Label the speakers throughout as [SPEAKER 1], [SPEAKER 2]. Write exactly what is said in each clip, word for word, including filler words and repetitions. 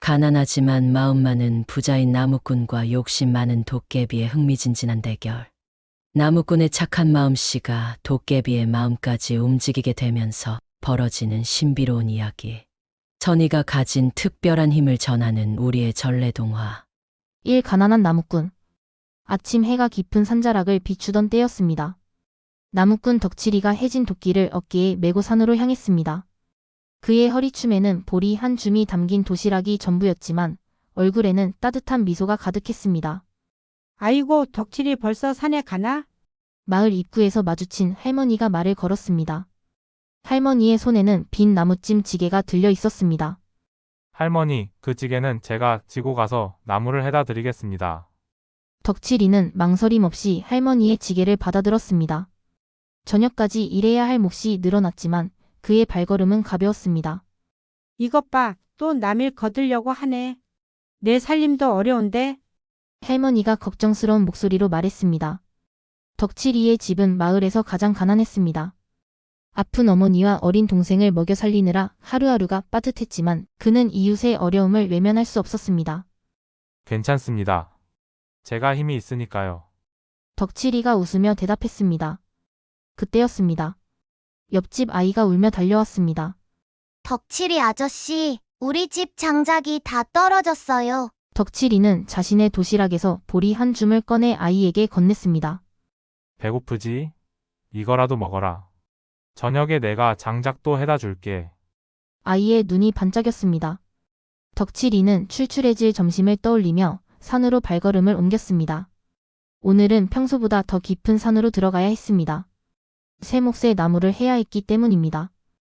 [SPEAKER 1] 가난하지만 마음 많은 부자인 나무꾼과 욕심 많은 도깨비의 흥미진진한 대결. 나무꾼의 착한 마음씨가 도깨비의 마음까지 움직이게 되면서 벌어지는 신비로운 이야기. 천이가 가진 특별한 힘을 전하는 우리의 전래동화.
[SPEAKER 2] 일. 가난한 나무꾼. 아침 해가 깊은 산자락을 비추던 때였습니다. 나무꾼 덕칠이가 해진 도끼를 어깨에 메고 산으로 향했습니다. 그의 허리춤에는 보리 한 줌이 담긴 도시락이 전부였지만 얼굴에는 따뜻한 미소가 가득했습니다.
[SPEAKER 3] 아이고, 덕칠이 벌써 산에 가나?
[SPEAKER 2] 마을 입구에서 마주친 할머니가 말을 걸었습니다. 할머니의 손에는 빈 나무찜 지게가 들려 있었습니다.
[SPEAKER 4] 할머니, 그 찌개는 제가 지고 가서 나무를 해다 드리겠습니다.
[SPEAKER 2] 덕칠이는 망설임 없이 할머니의 지게를 받아들었습니다. 저녁까지 일해야 할 몫이 늘어났지만 그의 발걸음은 가벼웠습니다.
[SPEAKER 3] 이것 봐, 또 남일 거들려고 하네. 내 살림도 어려운데?
[SPEAKER 2] 할머니가 걱정스러운 목소리로 말했습니다. 덕칠이의 집은 마을에서 가장 가난했습니다. 아픈 어머니와 어린 동생을 먹여 살리느라 하루하루가 빠듯했지만 그는 이웃의 어려움을 외면할 수 없었습니다.
[SPEAKER 4] 괜찮습니다. 제가 힘이 있으니까요.
[SPEAKER 2] 덕칠이가 웃으며 대답했습니다. 그때였습니다. 옆집 아이가 울며 달려왔습니다.
[SPEAKER 5] 덕칠이 아저씨, 우리 집 장작이 다 떨어졌어요.
[SPEAKER 2] 덕칠이는 자신의 도시락에서 보리 한 줌을 꺼내 아이에게 건넸습니다.
[SPEAKER 4] 배고프지? 이거라도 먹어라. 저녁에 내가 장작도 해다 줄게.
[SPEAKER 2] 아이의 눈이 반짝였습니다. 덕칠이는 출출해질 점심을 떠올리며 산으로 발걸음을 옮겼습니다. 오늘은 평소보다 더 깊은 산으로 들어가야 했습니다. 새 몫의 나무를 해야 했기 때문입니다.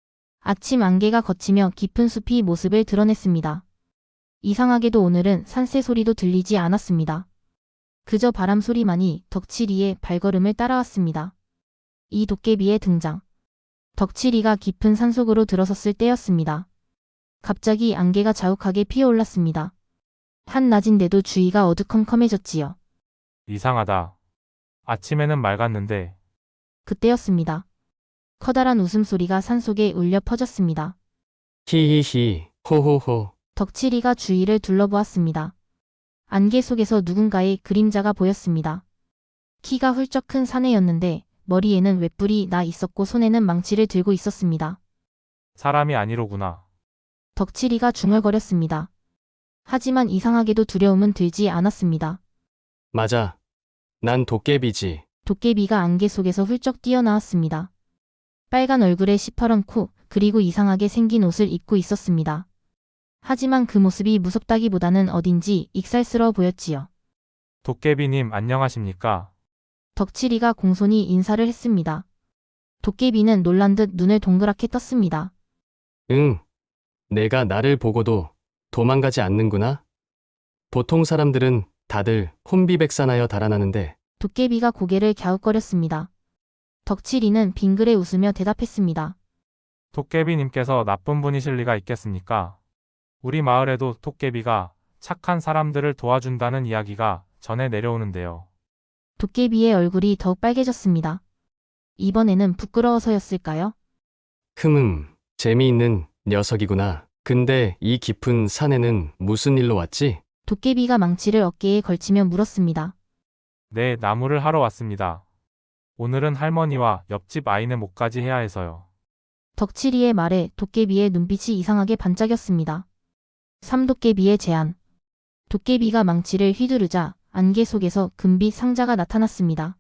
[SPEAKER 2] 아침 안개가 걷히며 깊은 숲이 모습을 드러냈습니다. 이상하게도 오늘은 산새 소리도 들리지 않았습니다. 그저 바람 소리만이 덕칠이의 발걸음을 따라왔습니다. 이 도깨비의 등장. 덕칠이가 깊은 산속으로 들어섰을 때였습니다. 갑자기 안개가 자욱하게 피어올랐습니다. 한낮인데도 주위가 어두컴컴해졌지요.
[SPEAKER 4] 이상하다. 아침에는 맑았는데.
[SPEAKER 2] 그때였습니다. 커다란 웃음소리가 산속에 울려 퍼졌습니다.
[SPEAKER 6] 히히히, 호호호.
[SPEAKER 2] 덕칠이가 주위를 둘러보았습니다. 안개 속에서 누군가의 그림자가 보였습니다. 키가 훌쩍 큰 사내였는데 머리에는 웹불이 나 있었고 손에는 망치를 들고 있었습니다.
[SPEAKER 4] 사람이 아니로구나.
[SPEAKER 2] 덕칠이가 중얼거렸습니다. 하지만 이상하게도 두려움은 들지 않았습니다.
[SPEAKER 6] 맞아. 난 도깨비지.
[SPEAKER 2] 도깨비가 안개 속에서 훌쩍 뛰어나왔습니다. 빨간 얼굴에 시퍼런 코, 그리고 이상하게 생긴 옷을 입고 있었습니다. 하지만 그 모습이 무섭다기보다는 어딘지 익살스러워 보였지요.
[SPEAKER 4] 도깨비님 안녕하십니까?
[SPEAKER 2] 덕칠이가 공손히 인사를 했습니다. 도깨비는 놀란 듯 눈을 동그랗게 떴습니다.
[SPEAKER 6] 응. 내가 나를 보고도 도망가지 않는구나. 보통 사람들은 다들 혼비백산하여 달아나는데
[SPEAKER 2] 도깨비가 고개를 갸웃거렸습니다. 덕칠이는 빙그레 웃으며 대답했습니다.
[SPEAKER 4] 도깨비님께서 나쁜 분이실 리가 있겠습니까? 우리 마을에도 도깨비가 착한 사람들을 도와준다는 이야기가 전해 내려오는데요.
[SPEAKER 2] 도깨비의 얼굴이 더욱 빨개졌습니다. 이번에는 부끄러워서였을까요?
[SPEAKER 6] 흠흠, 재미있는 녀석이구나. 근데 이 깊은 산에는 무슨 일로 왔지?
[SPEAKER 2] 도깨비가 망치를 어깨에 걸치며 물었습니다.
[SPEAKER 4] 네, 나무를 하러 왔습니다. 오늘은 할머니와 옆집 아이네 목까지 해야 해서요.
[SPEAKER 2] 덕칠이의 말에 도깨비의 눈빛이 이상하게 반짝였습니다. 삼도깨비의 제안. 도깨비가 망치를 휘두르자 안개 속에서 금빛 상자가 나타났습니다.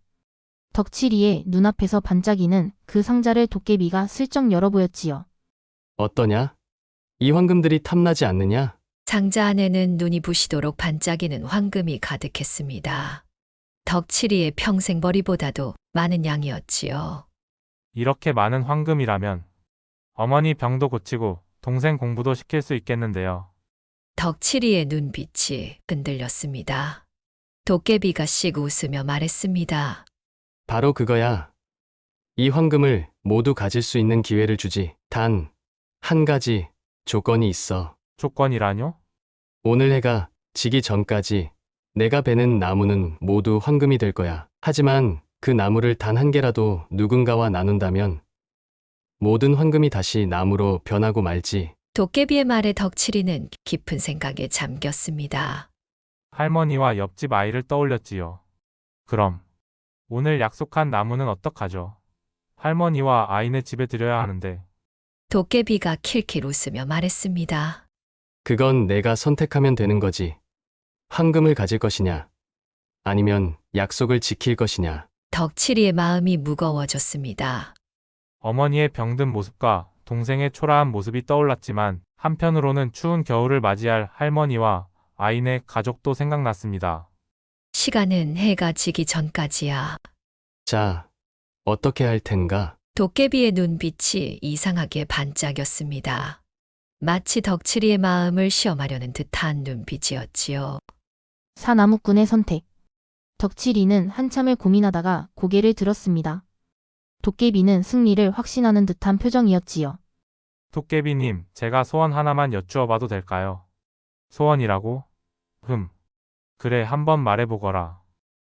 [SPEAKER 2] 덕칠이의 눈앞에서 반짝이는 그 상자를 도깨비가 슬쩍 열어보였지요.
[SPEAKER 6] 어떠냐? 이 황금들이 탐나지 않느냐?
[SPEAKER 1] 상자 안에는 눈이 부시도록 반짝이는 황금이 가득했습니다. 덕칠이의 평생 벌이보다도 많은 양이었지요.
[SPEAKER 4] 이렇게 많은 황금이라면 어머니 병도 고치고 동생 공부도 시킬 수 있겠는데요.
[SPEAKER 1] 덕칠이의 눈빛이 흔들렸습니다. 도깨비가 씩 웃으며 말했습니다.
[SPEAKER 6] 바로 그거야. 이 황금을 모두 가질 수 있는 기회를 주지. 단, 한 가지 조건이 있어.
[SPEAKER 4] 조건이라뇨?
[SPEAKER 6] 오늘 해가 지기 전까지 내가 베는 나무는 모두 황금이 될 거야. 하지만 그 나무를 단 한 개라도 누군가와 나눈다면 모든 황금이 다시 나무로 변하고 말지.
[SPEAKER 7] 도깨비의 말에 덕칠이는 깊은 생각에 잠겼습니다.
[SPEAKER 4] 할머니와 옆집 아이를 떠올렸지요. 그럼 오늘 약속한 나무는 어떡하죠? 할머니와 아이네 집에 드려야 하는데.
[SPEAKER 7] 도깨비가 킬킬 웃으며 말했습니다.
[SPEAKER 6] 그건 내가 선택하면 되는 거지. 황금을 가질 것이냐, 아니면 약속을 지킬 것이냐.
[SPEAKER 7] 덕칠이의 마음이 무거워졌습니다.
[SPEAKER 4] 어머니의 병든 모습과 동생의 초라한 모습이 떠올랐지만 한편으로는 추운 겨울을 맞이할 할머니와 아이네 가족도 생각났습니다.
[SPEAKER 7] 시간은 해가 지기 전까지야.
[SPEAKER 6] 자, 어떻게 할 텐가?
[SPEAKER 7] 도깨비의 눈빛이 이상하게 반짝였습니다. 마치 덕칠이의 마음을 시험하려는 듯한 눈빛이었지요.
[SPEAKER 2] 사나무꾼의 선택. 덕칠이는 한참을 고민하다가 고개를 들었습니다. 도깨비는 승리를 확신하는 듯한 표정이었지요.
[SPEAKER 4] 도깨비님, 제가 소원 하나만 여쭈어봐도 될까요? 소원이라고? 흠. 그래, 한번 말해보거라.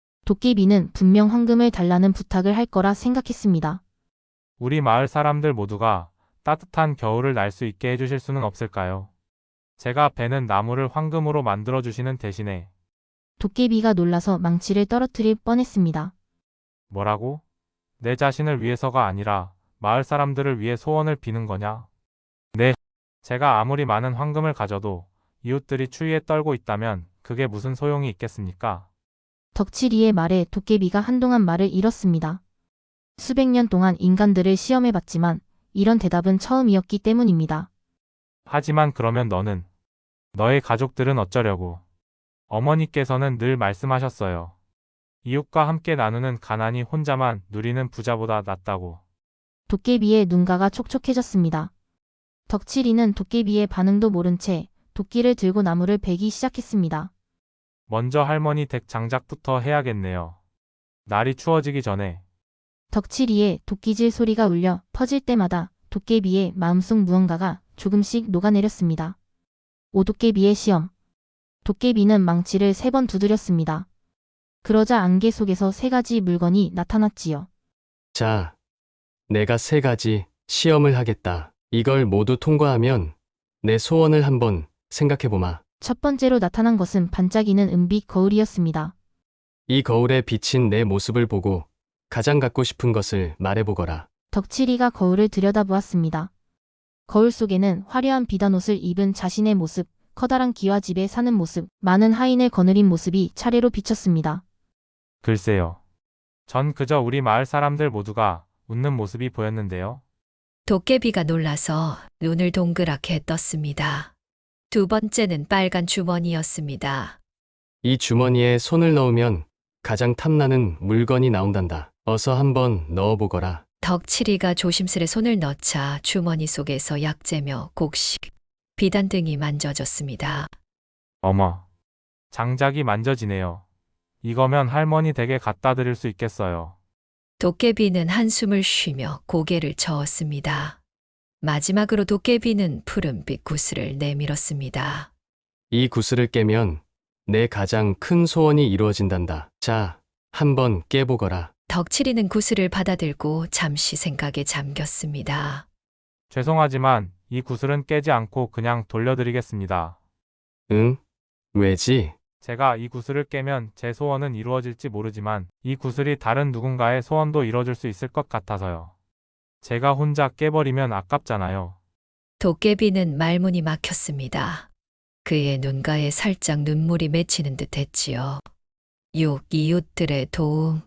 [SPEAKER 2] 도깨비는 분명 황금을 달라는 부탁을 할 거라 생각했습니다.
[SPEAKER 4] 우리 마을 사람들 모두가 따뜻한 겨울을 날 수 있게 해주실 수는 없을까요? 제가 베는 나무를 황금으로 만들어주시는 대신에.
[SPEAKER 2] 도깨비가 놀라서 망치를 떨어뜨릴 뻔했습니다.
[SPEAKER 4] 뭐라고? 내 자신을 위해서가 아니라 마을 사람들을 위해 소원을 비는 거냐? 네. 제가 아무리 많은 황금을 가져도 이웃들이 추위에 떨고 있다면 그게 무슨 소용이 있겠습니까?
[SPEAKER 2] 덕칠이의 말에 도깨비가 한동안 말을 잃었습니다. 수백 년 동안 인간들을 시험해봤지만 이런 대답은 처음이었기 때문입니다.
[SPEAKER 4] 하지만 그러면 너는, 너의 가족들은 어쩌려고? 어머니께서는 늘 말씀하셨어요. 이웃과 함께 나누는 가난이 혼자만 누리는 부자보다 낫다고.
[SPEAKER 2] 도깨비의 눈가가 촉촉해졌습니다. 덕칠이는 도깨비의 반응도 모른 채 도끼를 들고 나무를 베기 시작했습니다.
[SPEAKER 4] 먼저 할머니 댁 장작부터 해야겠네요. 날이 추워지기 전에.
[SPEAKER 2] 덕칠이의 도끼질 소리가 울려 퍼질 때마다 도깨비의 마음속 무언가가 조금씩 녹아내렸습니다. 오도깨비의 시험. 도깨비는 망치를 세 번 두드렸습니다. 그러자 안개 속에서 세 가지 물건이 나타났지요.
[SPEAKER 6] 자, 내가 세 가지 시험을 하겠다. 이걸 모두 통과하면 내 소원을 한번 생각해보마.
[SPEAKER 2] 첫 번째로 나타난 것은 반짝이는 은빛 거울이었습니다.
[SPEAKER 6] 이 거울에 비친 내 모습을 보고 가장 갖고 싶은 것을 말해보거라.
[SPEAKER 2] 덕칠이가 거울을 들여다보았습니다. 거울 속에는 화려한 비단옷을 입은 자신의 모습, 커다란 기와 집에 사는 모습, 많은 하인을 거느린 모습이 차례로 비쳤습니다.
[SPEAKER 4] 글쎄요. 전 그저 우리 마을 사람들 모두가 웃는 모습이 보였는데요.
[SPEAKER 7] 도깨비가 놀라서 눈을 동그랗게 떴습니다. 두 번째는 빨간 주머니였습니다.
[SPEAKER 6] 이 주머니에 손을 넣으면 가장 탐나는 물건이 나온단다. 어서 한번 넣어보거라.
[SPEAKER 7] 덕칠이가 조심스레 손을 넣자 주머니 속에서 약재며 곡식, 비단 등이 만져졌습니다.
[SPEAKER 4] 어머. 장작이 만져지네요. 이거면 할머니 댁에 갖다 드릴 수 있겠어요.
[SPEAKER 7] 도깨비는 한숨을 쉬며 고개를 저었습니다. 마지막으로 도깨비는 푸른빛 구슬을 내밀었습니다.
[SPEAKER 6] 이 구슬을 깨면 내 가장 큰 소원이 이루어진단다. 자, 한번 깨보거라.
[SPEAKER 7] 덕칠이는 구슬을 받아들고 잠시 생각에 잠겼습니다.
[SPEAKER 4] 죄송하지만 이 구슬은 깨지 않고 그냥 돌려드리겠습니다.
[SPEAKER 6] 응? 왜지?
[SPEAKER 4] 제가 이 구슬을 깨면 제 소원은 이루어질지 모르지만 이 구슬이 다른 누군가의 소원도 이뤄줄 수 있을 것 같아서요. 제가 혼자 깨버리면 아깝잖아요.
[SPEAKER 7] 도깨비는 말문이 막혔습니다. 그의 눈가에 살짝 눈물이 맺히는 듯 했지요. 육 이웃들의 도움.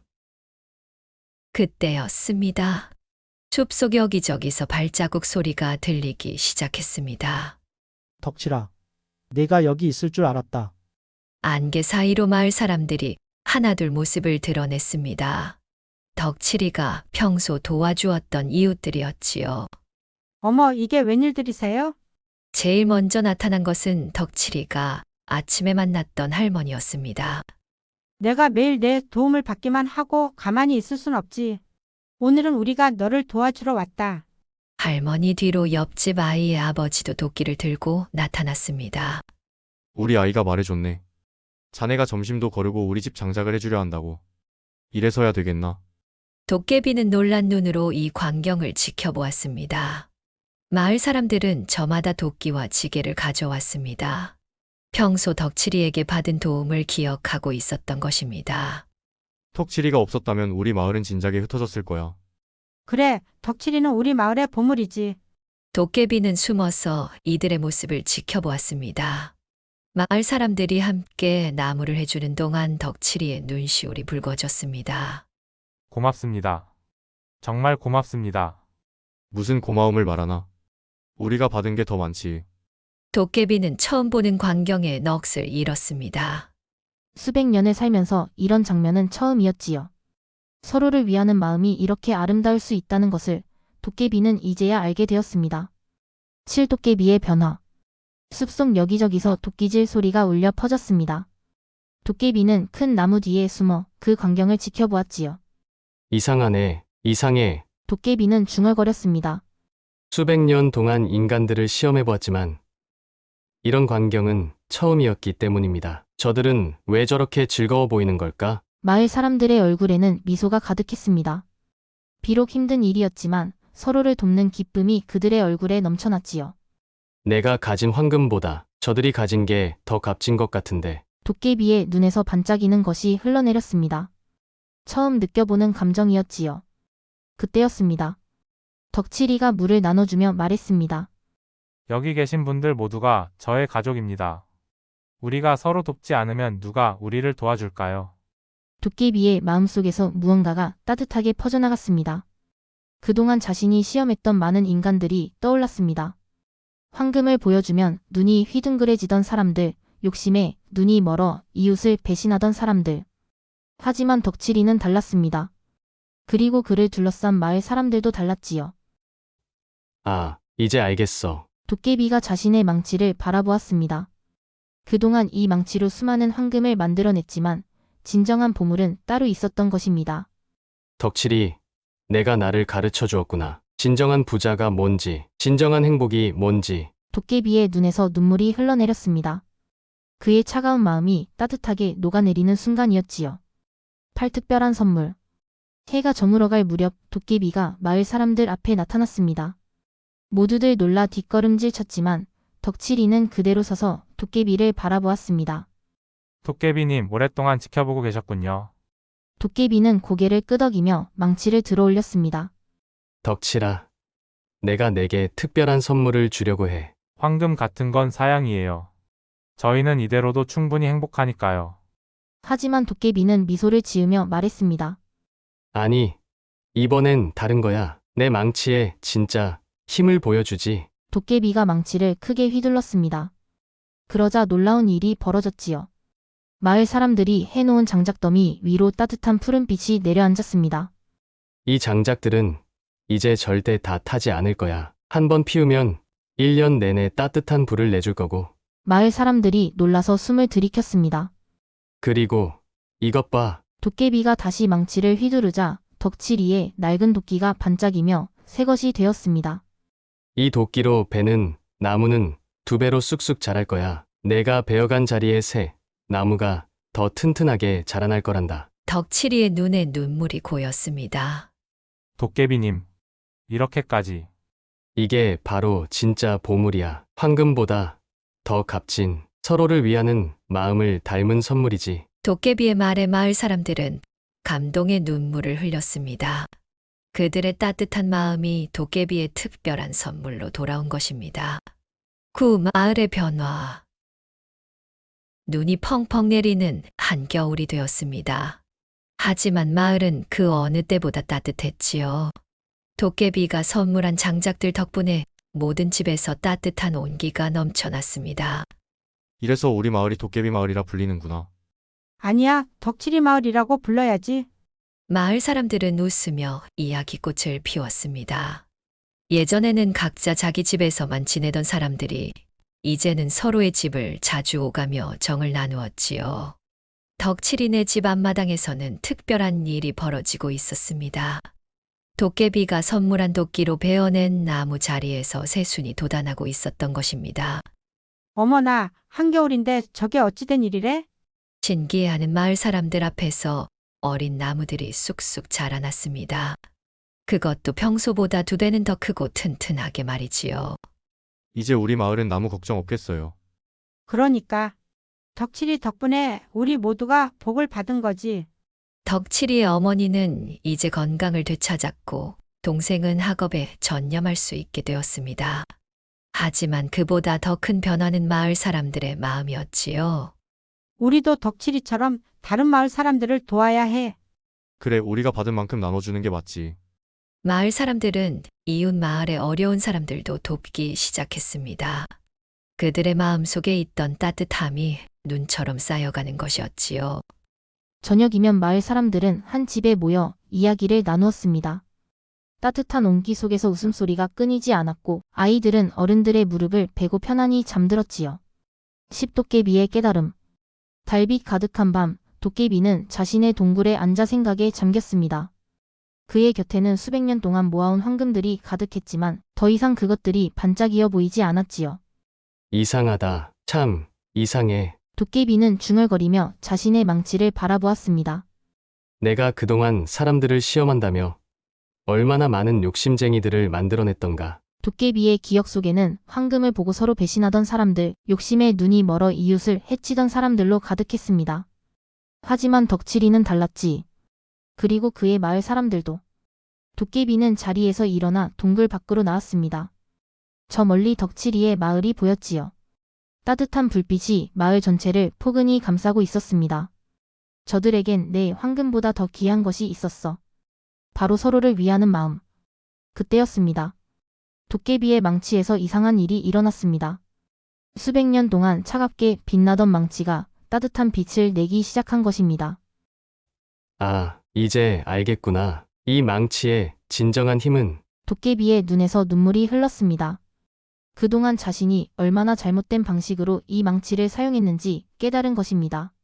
[SPEAKER 7] 그때였습니다. 숲속 여기저기서 발자국 소리가 들리기 시작했습니다.
[SPEAKER 8] 덕칠아, 내가 여기 있을 줄 알았다.
[SPEAKER 7] 안개 사이로 마을 사람들이 하나둘 모습을 드러냈습니다. 덕칠이가 평소 도와주었던 이웃들이었지요.
[SPEAKER 3] 어머, 이게 웬일들이세요?
[SPEAKER 7] 제일 먼저 나타난 것은 덕칠이가 아침에 만났던 할머니였습니다.
[SPEAKER 3] 내가 매일 내 도움을 받기만 하고 가만히 있을 순 없지. 오늘은 우리가 너를 도와주러 왔다.
[SPEAKER 7] 할머니 뒤로 옆집 아이의 아버지도 도끼를 들고 나타났습니다.
[SPEAKER 9] 우리 아이가 말해줬네. 자네가 점심도 거르고 우리 집 장작을 해주려 한다고. 이래서야 되겠나?
[SPEAKER 7] 도깨비는 놀란 눈으로 이 광경을 지켜보았습니다. 마을 사람들은 저마다 도끼와 지게를 가져왔습니다. 평소 덕칠이에게 받은 도움을 기억하고 있었던 것입니다.
[SPEAKER 9] 턱치리가 없었다면 우리 마을은 진작에 흩어졌을 거야.
[SPEAKER 3] 그래, 덕칠이는 우리 마을의 보물이지.
[SPEAKER 7] 도깨비는 숨어서 이들의 모습을 지켜보았습니다. 마을 사람들이 함께 나무를 해주는 동안 덕칠이의 눈시울이 붉어졌습니다.
[SPEAKER 4] 고맙습니다. 정말 고맙습니다.
[SPEAKER 9] 무슨 고마움을 말하나? 우리가 받은 게 더 많지.
[SPEAKER 7] 도깨비는 처음 보는 광경에 넋을 잃었습니다.
[SPEAKER 2] 수백 년을 살면서 이런 장면은 처음이었지요. 서로를 위하는 마음이 이렇게 아름다울 수 있다는 것을 도깨비는 이제야 알게 되었습니다. 칠도깨비의 변화. 숲속 여기저기서 도끼질 소리가 울려 퍼졌습니다. 도깨비는 큰 나무 뒤에 숨어 그 광경을 지켜보았지요.
[SPEAKER 6] 이상하네, 이상해.
[SPEAKER 2] 도깨비는 중얼거렸습니다.
[SPEAKER 6] 수백 년 동안 인간들을 시험해보았지만 이런 광경은 처음이었기 때문입니다. 저들은 왜 저렇게 즐거워 보이는 걸까?
[SPEAKER 2] 마을 사람들의 얼굴에는 미소가 가득했습니다. 비록 힘든 일이었지만 서로를 돕는 기쁨이 그들의 얼굴에 넘쳐났지요.
[SPEAKER 6] 내가 가진 황금보다 저들이 가진 게 더 값진 것 같은데.
[SPEAKER 2] 도깨비의 눈에서 반짝이는 것이 흘러내렸습니다. 처음 느껴보는 감정이었지요. 그때였습니다. 덕칠이가 물을 나눠주며 말했습니다.
[SPEAKER 4] 여기 계신 분들 모두가 저의 가족입니다. 우리가 서로 돕지 않으면 누가 우리를 도와줄까요?
[SPEAKER 2] 도깨비의 마음속에서 무언가가 따뜻하게 퍼져나갔습니다. 그동안 자신이 시험했던 많은 인간들이 떠올랐습니다. 황금을 보여주면 눈이 휘둥그레지던 사람들, 욕심에 눈이 멀어 이웃을 배신하던 사람들. 하지만 덕칠이는 달랐습니다. 그리고 그를 둘러싼 마을 사람들도 달랐지요.
[SPEAKER 6] 아, 이제 알겠어.
[SPEAKER 2] 도깨비가 자신의 망치를 바라보았습니다. 그동안 이 망치로 수많은 황금을 만들어냈지만 진정한 보물은 따로 있었던 것입니다.
[SPEAKER 6] 덕칠이, 내가 나를 가르쳐 주었구나. 진정한 부자가 뭔지, 진정한 행복이 뭔지.
[SPEAKER 2] 도깨비의 눈에서 눈물이 흘러내렸습니다. 그의 차가운 마음이 따뜻하게 녹아내리는 순간이었지요. 팔특별한 선물. 해가 저물어갈 무렵 도깨비가 마을 사람들 앞에 나타났습니다. 모두들 놀라 뒷걸음질 쳤지만 덕칠이는 그대로 서서 도깨비를 바라보았습니다.
[SPEAKER 4] 도깨비님 오랫동안 지켜보고 계셨군요.
[SPEAKER 2] 도깨비는 고개를 끄덕이며 망치를 들어 올렸습니다.
[SPEAKER 6] 덕칠아, 내가 내게 특별한 선물을 주려고 해.
[SPEAKER 4] 황금 같은 건 사양이에요. 저희는 이대로도 충분히 행복하니까요.
[SPEAKER 2] 하지만 도깨비는 미소를 지으며 말했습니다.
[SPEAKER 6] 아니, 이번엔 다른 거야. 내 망치에 진짜 힘을 보여주지.
[SPEAKER 2] 도깨비가 망치를 크게 휘둘렀습니다. 그러자 놀라운 일이 벌어졌지요. 마을 사람들이 해놓은 장작더미 위로 따뜻한 푸른빛이 내려앉았습니다.
[SPEAKER 6] 이 장작들은 이제 절대 다 타지 않을 거야. 한 번 피우면 일 년 내내 따뜻한 불을 내줄 거고.
[SPEAKER 2] 마을 사람들이 놀라서 숨을 들이켰습니다.
[SPEAKER 6] 그리고 이것 봐.
[SPEAKER 2] 도깨비가 다시 망치를 휘두르자 덕칠이의 낡은 도끼가 반짝이며 새것이 되었습니다.
[SPEAKER 6] 이 도끼로 베는 나무는 두 배로 쑥쑥 자랄 거야. 내가 베어간 자리에 새 나무가 더 튼튼하게 자라날 거란다.
[SPEAKER 7] 덕칠이의 눈에 눈물이 고였습니다.
[SPEAKER 4] 도깨비님, 이렇게까지.
[SPEAKER 6] 이게 바로 진짜 보물이야. 황금보다 더 값진 서로를 위하는 마음을 닮은 선물이지.
[SPEAKER 7] 도깨비의 말에 마을 사람들은 감동의 눈물을 흘렸습니다. 그들의 따뜻한 마음이 도깨비의 특별한 선물로 돌아온 것입니다. 그 마을의 변화. 눈이 펑펑 내리는 한겨울이 되었습니다. 하지만 마을은 그 어느 때보다 따뜻했지요. 도깨비가 선물한 장작들 덕분에 모든 집에서 따뜻한 온기가 넘쳐났습니다.
[SPEAKER 9] 이래서 우리 마을이 도깨비 마을이라 불리는구나.
[SPEAKER 3] 아니야, 덕칠이 마을이라고 불러야지.
[SPEAKER 7] 마을 사람들은 웃으며 이야기꽃을 피웠습니다. 예전에는 각자 자기 집에서만 지내던 사람들이 이제는 서로의 집을 자주 오가며 정을 나누었지요. 덕칠이네 집 앞마당에서는 특별한 일이 벌어지고 있었습니다. 도깨비가 선물한 도끼로 베어낸 나무 자리에서 새순이 돋아나고 있었던 것입니다.
[SPEAKER 3] 어머나, 한겨울인데 저게 어찌된 일이래?
[SPEAKER 7] 신기해하는 마을 사람들 앞에서 어린 나무들이 쑥쑥 자라났습니다. 그것도 평소보다 두 배는 더 크고 튼튼하게 말이지요.
[SPEAKER 9] 이제 우리 마을엔 나무 걱정 없겠어요.
[SPEAKER 3] 그러니까 덕칠이 덕분에 우리 모두가 복을 받은 거지.
[SPEAKER 7] 덕칠이의 어머니는 이제 건강을 되찾았고 동생은 학업에 전념할 수 있게 되었습니다. 하지만 그보다 더 큰 변화는 마을 사람들의 마음이었지요.
[SPEAKER 3] 우리도 덕칠이처럼 다른 마을 사람들을 도와야 해.
[SPEAKER 9] 그래, 우리가 받은 만큼 나눠주는 게 맞지.
[SPEAKER 7] 마을 사람들은 이웃 마을의 어려운 사람들도 돕기 시작했습니다. 그들의 마음속에 있던 따뜻함이 눈처럼 쌓여가는 것이었지요.
[SPEAKER 2] 저녁이면 마을 사람들은 한 집에 모여 이야기를 나누었습니다. 따뜻한 온기 속에서 웃음소리가 끊이지 않았고 아이들은 어른들의 무릎을 베고 편안히 잠들었지요. 십도깨비의 깨달음. 달빛 가득한 밤, 도깨비는 자신의 동굴에 앉아 생각에 잠겼습니다. 그의 곁에는 수백 년 동안 모아온 황금들이 가득했지만 더 이상 그것들이 반짝이어 보이지 않았지요.
[SPEAKER 6] 이상하다. 참, 이상해.
[SPEAKER 2] 도깨비는 중얼거리며 자신의 망치를 바라보았습니다.
[SPEAKER 6] 내가 그동안 사람들을 시험한다며 얼마나 많은 욕심쟁이들을 만들어냈던가.
[SPEAKER 2] 도깨비의 기억 속에는 황금을 보고 서로 배신하던 사람들, 욕심에 눈이 멀어 이웃을 해치던 사람들로 가득했습니다. 하지만 덕칠이는 달랐지. 그리고 그의 마을 사람들도. 도깨비는 자리에서 일어나 동굴 밖으로 나왔습니다. 저 멀리 덕칠이의 마을이 보였지요. 따뜻한 불빛이 마을 전체를 포근히 감싸고 있었습니다. 저들에겐 내 황금보다 더 귀한 것이 있었어. 바로 서로를 위하는 마음. 그때였습니다. 도깨비의 망치에서 이상한 일이 일어났습니다. 수백 년 동안 차갑게 빛나던 망치가 따뜻한 빛을 내기 시작한 것입니다.
[SPEAKER 6] 아, 이제 알겠구나. 이 망치의 진정한 힘은
[SPEAKER 2] 도깨비의 눈에서 눈물이 흘렀습니다. 그동안 자신이 얼마나 잘못된 방식으로 이 망치를 사용했는지 깨달은 것입니다.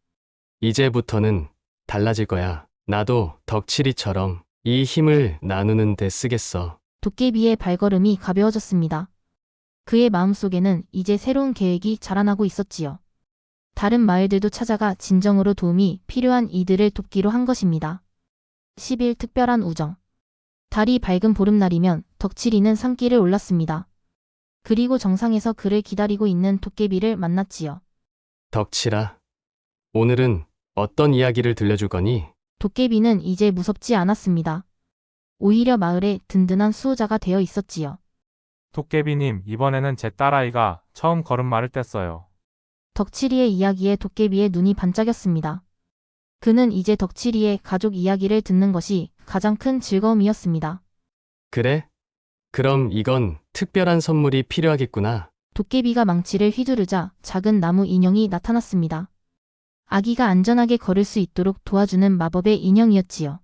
[SPEAKER 6] 이제부터는 달라질 거야. 나도 덕칠이처럼 이 힘을 나누는 데 쓰겠어.
[SPEAKER 2] 도깨비의 발걸음이 가벼워졌습니다. 그의 마음속에는 이제 새로운 계획이 자라나고 있었지요. 다른 마을들도 찾아가 진정으로 도움이 필요한 이들을 돕기로 한 것입니다. 십 일 특별한 우정. 달이 밝은 보름날이면 덕칠이는 산길을 올랐습니다. 그리고 정상에서 그를 기다리고 있는 도깨비를 만났지요.
[SPEAKER 6] 덕칠아, 오늘은 어떤 이야기를 들려줄 거니?
[SPEAKER 2] 도깨비는 이제 무섭지 않았습니다. 오히려 마을의 든든한 수호자가 되어 있었지요.
[SPEAKER 4] 도깨비님, 이번에는 제 딸아이가 처음 걸음마를 뗐어요.
[SPEAKER 2] 덕칠이의 이야기에 도깨비의 눈이 반짝였습니다. 그는 이제 덕칠이의 가족 이야기를 듣는 것이 가장 큰 즐거움이었습니다.
[SPEAKER 6] 그래? 그럼 이건 특별한 선물이 필요하겠구나.
[SPEAKER 2] 도깨비가 망치를 휘두르자 작은 나무 인형이 나타났습니다. 아기가 안전하게 걸을 수 있도록 도와주는 마법의 인형이었지요.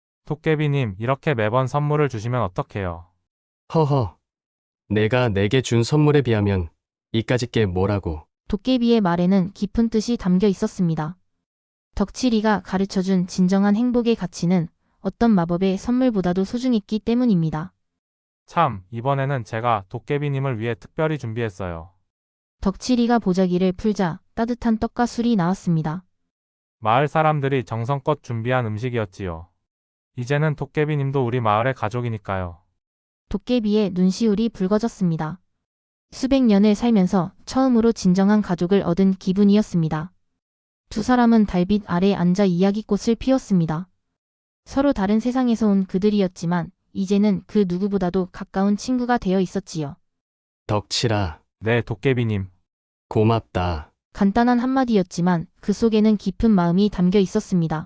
[SPEAKER 4] 도깨비님, 이렇게 매번 선물을 주시면 어떡해요?
[SPEAKER 6] 허허. 내가 내게 준 선물에 비하면 이까짓 게 뭐라고.
[SPEAKER 2] 도깨비의 말에는 깊은 뜻이 담겨 있었습니다. 덕칠이가 가르쳐준 진정한 행복의 가치는 어떤 마법의 선물보다도 소중했기 때문입니다.
[SPEAKER 4] 참, 이번에는 제가 도깨비님을 위해 특별히 준비했어요.
[SPEAKER 2] 덕칠이가 보자기를 풀자 따뜻한 떡과 술이 나왔습니다.
[SPEAKER 4] 마을 사람들이 정성껏 준비한 음식이었지요. 이제는 도깨비님도 우리 마을의 가족이니까요.
[SPEAKER 2] 도깨비의 눈시울이 붉어졌습니다. 수백 년을 살면서 처음으로 진정한 가족을 얻은 기분이었습니다. 두 사람은 달빛 아래 앉아 이야기꽃을 피웠습니다. 서로 다른 세상에서 온 그들이었지만 이제는 그 누구보다도 가까운 친구가 되어 있었지요.
[SPEAKER 6] 덕칠아,
[SPEAKER 4] 네, 도깨비님.
[SPEAKER 6] 고맙다.
[SPEAKER 2] 간단한 한마디였지만 그 속에는 깊은 마음이 담겨 있었습니다.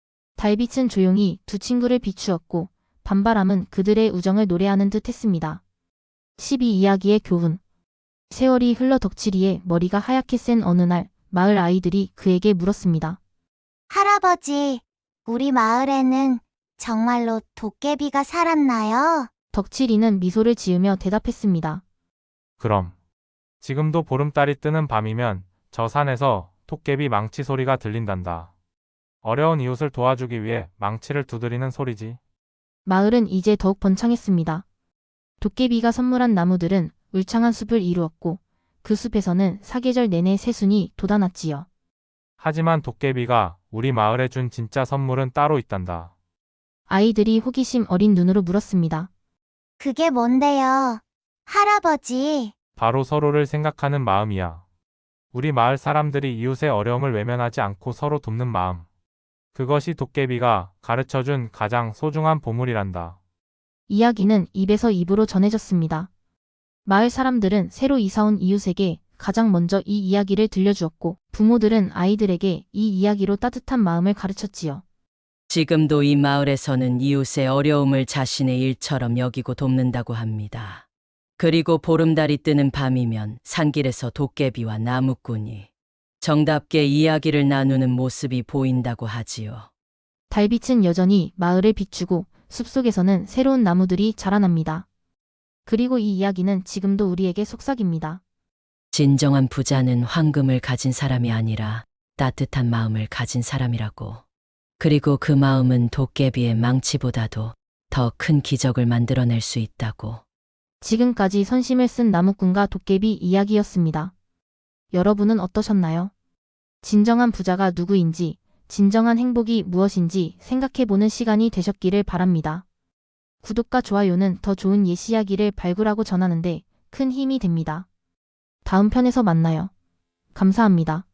[SPEAKER 2] 달빛은 조용히 두 친구를 비추었고 밤바람은 그들의 우정을 노래하는 듯 했습니다. 십이 이야기의 교훈. 세월이 흘러 덕칠이의 머리가 하얗게 센 어느 날 마을 아이들이 그에게 물었습니다.
[SPEAKER 5] 할아버지, 우리 마을에는 정말로 도깨비가 살았나요?
[SPEAKER 2] 덕칠이는 미소를 지으며 대답했습니다.
[SPEAKER 4] 그럼. 지금도 보름달이 뜨는 밤이면 저 산에서 도깨비 망치 소리가 들린단다. 어려운 이웃을 도와주기 위해 망치를 두드리는 소리지.
[SPEAKER 2] 마을은 이제 더욱 번창했습니다. 도깨비가 선물한 나무들은 울창한 숲을 이루었고 그 숲에서는 사계절 내내 새순이 돋아났지요.
[SPEAKER 4] 하지만 도깨비가 우리 마을에 준 진짜 선물은 따로 있단다.
[SPEAKER 2] 아이들이 호기심 어린 눈으로 물었습니다.
[SPEAKER 5] 그게 뭔데요? 할아버지,
[SPEAKER 4] 바로 서로를 생각하는 마음이야. 우리 마을 사람들이 이웃의 어려움을 외면하지 않고 서로 돕는 마음. 그것이 도깨비가 가르쳐준 가장 소중한 보물이란다.
[SPEAKER 2] 이야기는 입에서 입으로 전해졌습니다. 마을 사람들은 새로 이사온 이웃에게 가장 먼저 이 이야기를 들려주었고 부모들은 아이들에게 이 이야기로 따뜻한 마음을 가르쳤지요.
[SPEAKER 1] 지금도 이 마을에서는 이웃의 어려움을 자신의 일처럼 여기고 돕는다고 합니다. 그리고 보름달이 뜨는 밤이면 산길에서 도깨비와 나무꾼이 정답게 이야기를 나누는 모습이 보인다고 하지요.
[SPEAKER 2] 달빛은 여전히 마을을 비추고 숲속에서는 새로운 나무들이 자라납니다. 그리고 이 이야기는 지금도 우리에게 속삭입니다.
[SPEAKER 1] 진정한 부자는 황금을 가진 사람이 아니라 따뜻한 마음을 가진 사람이라고. 그리고 그 마음은 도깨비의 망치보다도 더 큰 기적을 만들어낼 수 있다고.
[SPEAKER 2] 지금까지 선심을 쓴 나무꾼과 도깨비 이야기였습니다. 여러분은 어떠셨나요? 진정한 부자가 누구인지, 진정한 행복이 무엇인지 생각해보는 시간이 되셨기를 바랍니다. 구독과 좋아요는 더 좋은 옛 이야기를 발굴하고 전하는데 큰 힘이 됩니다. 다음 편에서 만나요. 감사합니다.